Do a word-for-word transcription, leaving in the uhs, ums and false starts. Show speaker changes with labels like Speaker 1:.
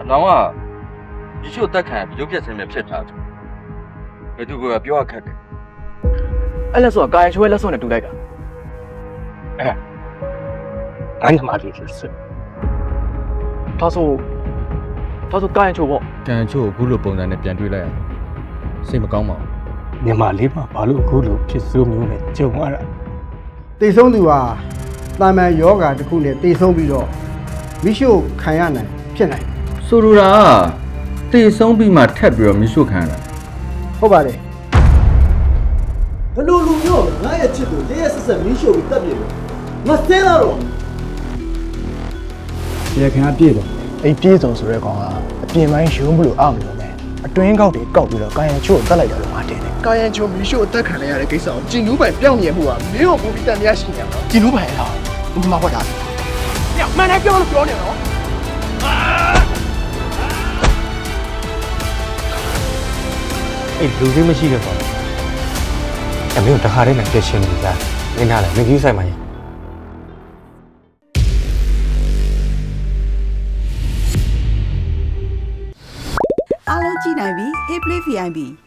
Speaker 1: နောင်ကဒီချို့တက်ခံရုပ်ပြက်စင်းနဲ့ဖြစ်ထားတယ်ဘယ်သူကပြောရခက်တယ်အဲ့လက်စောကာယချိုးရဲ့လက်စောနဲ့တူလိုက်တာအဲအဲ့ဒီမှာလေးစစ်ဒါဆိုဒါဆိုကာယချိုးပေါ့ကာယချိုးကိုအခုလိုပုံစံနဲ့ပြန်တွေ့လိုက်ရစိတ်မကောင်းပါဘူးမြန်မာလေးမှာဘာလို့အခုလိုဖြစ်စိုးမျိုးနဲ့ကြုံရတာ
Speaker 2: တေဆုံးသူဟာတာမန်ယောဂါတစ်ခုနဲ့တေဆုံးပြီးတော့မိရှုခံရနိုင်ဖြစ်နိုင်
Speaker 1: ဆိုလိုတာတေဆုံးပြီးမှထပ်ပြီးတော့မိရှုခံရတာ
Speaker 2: ဟုတ်ပါတယ်
Speaker 3: ဘလို့လူမျိုးငါရဲ့ချစ်ကိုရဲရဲဆက်ဆက်မိရှုပြီးတက်ပြေလို့ငါစဲလာတော့
Speaker 2: ရခင်ကပြည့်တော့အဲ့ပြည့်စုံဆိုတဲ့ကောင်ကအပြင်ပိုင်းရုံးမလို့အောက်မလို့နဲ့အတွင်းကောက်တွေကောက်ပြီးတော့ကာယံချို့ကိုတက်လိုက်တယ်လို့ငါတင်တယ်ကာယံချို့မိရှုအသက်ခံရတဲ့ကိစ္စကိုကျင်နူးပိုင်ပြောင်းမြင်မှုကမင်းကိုပူပြီးတန်မြရှိနေမှာကျင်နူးပိုင်လားဘုမဟုတ်တာညမနဲ့ပြောလို့ပြောနေတော့
Speaker 4: အဲ့လူစိမရှိတဲ့ကောင်အမေတို့တခါတည်းနဲ့ပြည့်ရှင်းနေကြနေနာလေမကြီးဆိုင်မှာရင်
Speaker 5: အားလုံးကြည့်နိုင်ပြီ Hey Play ဗီ အိုင် ပီ